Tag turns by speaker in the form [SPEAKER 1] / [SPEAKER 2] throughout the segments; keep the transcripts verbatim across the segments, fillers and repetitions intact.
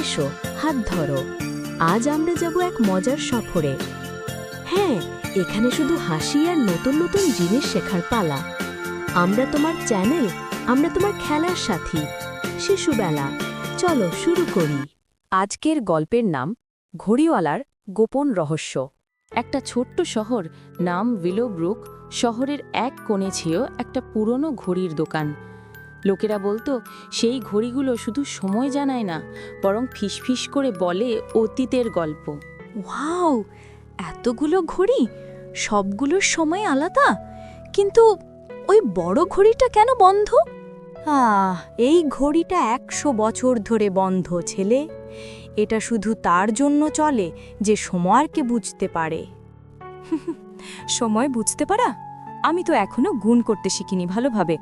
[SPEAKER 1] এসো, হাত ধরো। আজ আমরা যাব এক মজার সফরে। হ্যাঁ, এখানে শুধু হাসি আর নতুন নতুন জিনিস শেখার পালা। আমরা তোমার চ্যানেল, আমরা তোমার খেলার সাথী। শিশুবেলা, চলো শুরু করি। আজকের গল্পের নাম ঘড়িওয়ালার গোপন রহস্য। একটা ছোট্ট শহর নাম উইলোব্রুক, শহরের এক কোণে ছিল একটা পুরনো ঘড়ির দোকান। লোকেরা বলতো সেই ঘড়িগুলো শুধু সময় জানায় না, বরং ফিসফিস করে বলে অতীতের গল্প।
[SPEAKER 2] ওয়াও, এতগুলো ঘড়ি, সবগুলোর সময় আলাদা, কিন্তু ওই বড় ঘড়িটা কেন বন্ধ? আহ এই ঘড়িটা একশো বছর ধরে বন্ধ, ছেলে। এটা শুধু তার জন্য চলে যে সময়কে বুঝতে পারে। সময় বুঝতে পারা? আমি তো এখনো গুণ করতে শিখিনি ভালোভাবে।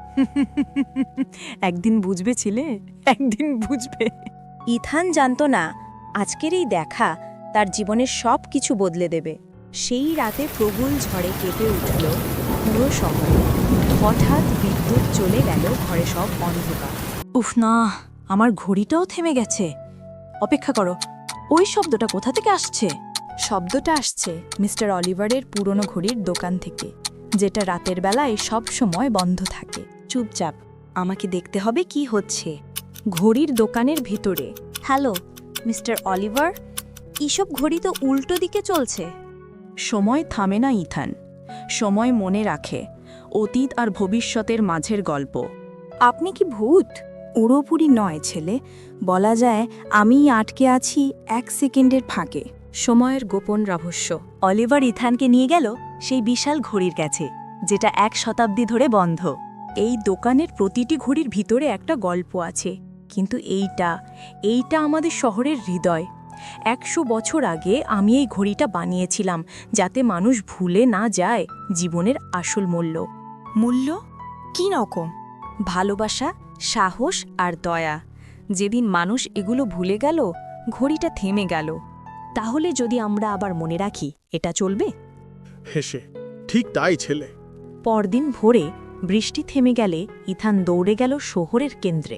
[SPEAKER 2] একদিন বুঝবে ছিলে, একদিন বুঝবে। ইথান জানতো না আজকের এই দেখা তার জীবনের সব কিছু বদলে দেবে। সেই রাতে প্রবল ঝড়ে কেঁপে উঠল পুরো শহর। হঠাৎ বিদ্যুৎ চলে গেল, ঘরে সব অন্ধকার। উফ না, আমার ঘড়িটাও থেমে গেছে। অপেক্ষা করো, ওই শব্দটা কোথা থেকে আসছে? শব্দটা আসছে মিস্টার অলিভারের পুরনো ঘড়ির দোকান থেকে, যেটা রাতের বেলায় সব সময় বন্ধ থাকে। চুপচাপ, আমাকে দেখতে হবে কি হচ্ছে। ঘড়ির দোকানের ভিতরে। হ্যালো মিস্টার অলিভার, এসব ঘড়ি তো উল্টো দিকে চলছে। সময় থামে না ইথান, সময় মনে রাখে অতীত আর ভবিষ্যতের মাঝের গল্প। আপনি কি ভূত? পুরোপুরি নয় ছেলে, বলা যায় আমি আটকে আছি এক সেকেন্ডের ফাঁকে। সময়ের গোপন রহস্য। অলিভার ইথানকে নিয়ে গেল সেই বিশাল ঘড়ির কাছে, যেটা এক শতাব্দী ধরে বন্ধ। এই দোকানের প্রতিটি ঘড়ির ভিতরে একটা গল্প আছে, কিন্তু এইটা এইটা আমাদের শহরের হৃদয়। একশো বছর আগে আমি এই ঘড়িটা বানিয়েছিলাম, যাতে মানুষ ভুলে না যায় জীবনের আসল মূল্য। মূল্য কী রকম? ভালোবাসা, সাহস আর দয়া। যেদিন মানুষ এগুলো ভুলে গেল, ঘড়িটা থেমে গেল। তাহলে যদি আমরা আবার মনে রাখি, এটা চলবে?
[SPEAKER 3] হেসে, ঠিক তাই ছেলে।
[SPEAKER 2] পরদিন ভোরে বৃষ্টি থেমে গেলে ইথান দৌড়ে গেল শহরের কেন্দ্রে।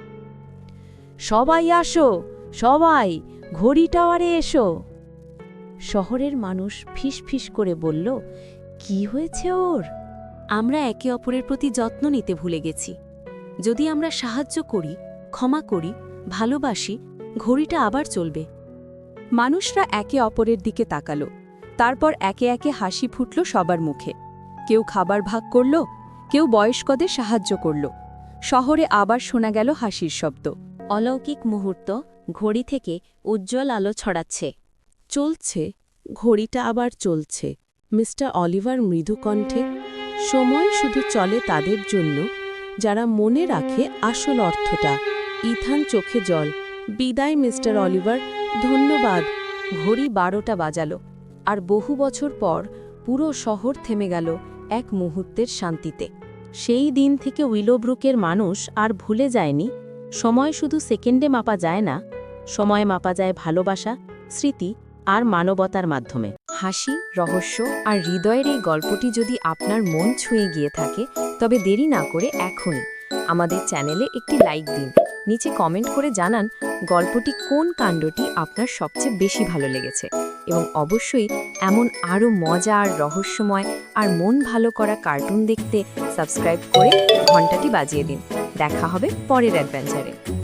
[SPEAKER 1] সবাই আসো, সবাই ঘড়ি টাওয়ারে এসো। শহরের মানুষ ফিস ফিস করে বলল, কি হয়েছে ওর? আমরা একে অপরের প্রতি যত্ন নিতে ভুলে গেছি। যদি আমরা সাহায্য করি, ক্ষমা করি, ভালোবাসি, ঘড়িটা আবার চলবে। মানুষরা একে অপরের দিকে তাকালো। তারপর একে একে হাসি ফুটল সবার মুখে। কেউ খাবার ভাগ করল, কেউ বয়স্কদের সাহায্য করল। শহরে আবার শোনা গেল হাসির শব্দ। অলৌকিক মুহূর্ত, ঘড়ি থেকে উজ্জ্বল আলো ছড়াচ্ছে। চলছে, ঘড়িটা আবার চলছে। মিস্টার অলিভার মৃদু কণ্ঠে, সময় শুধু চলে তাদের জন্য যারা মনে রাখে আসল অর্থটা। ইথান চোখে জল। বিদায় মিস্টার অলিভার, ধন্যবাদ। ঘড়ি বারোটা বাজালো, আর বহু বছর পর পুরো শহর থেমে গেল এক মুহূর্তের শান্তিতে। সেই দিন থেকে উইলোব্রুকের মানুষ আর ভুলে যায়নি, সময় শুধু সেকেন্ডে মাপা যায় না, সময় মাপা যায় ভালোবাসা, স্মৃতি আর মানবতার মাধ্যমে। হাসি, রহস্য আর হৃদয়ের এই গল্পটি যদি আপনার মন ছুঁয়ে গিয়ে থাকে, তবে দেরি না করে এখনই আমাদের চ্যানেলে একটি লাইক দিন। নিচে কমেন্ট করে জানান গল্পটি কোন কাণ্ডটি আপনার সবচেয়ে বেশি ভালো লেগেছে, এবং অবশ্যই এমন আরও মজা আর রহস্যময় আর মন ভালো করা কার্টুন দেখতে সাবস্ক্রাইব করে ঘন্টাটি বাজিয়ে দিন। দেখা হবে পরের অ্যাডভেঞ্চারে।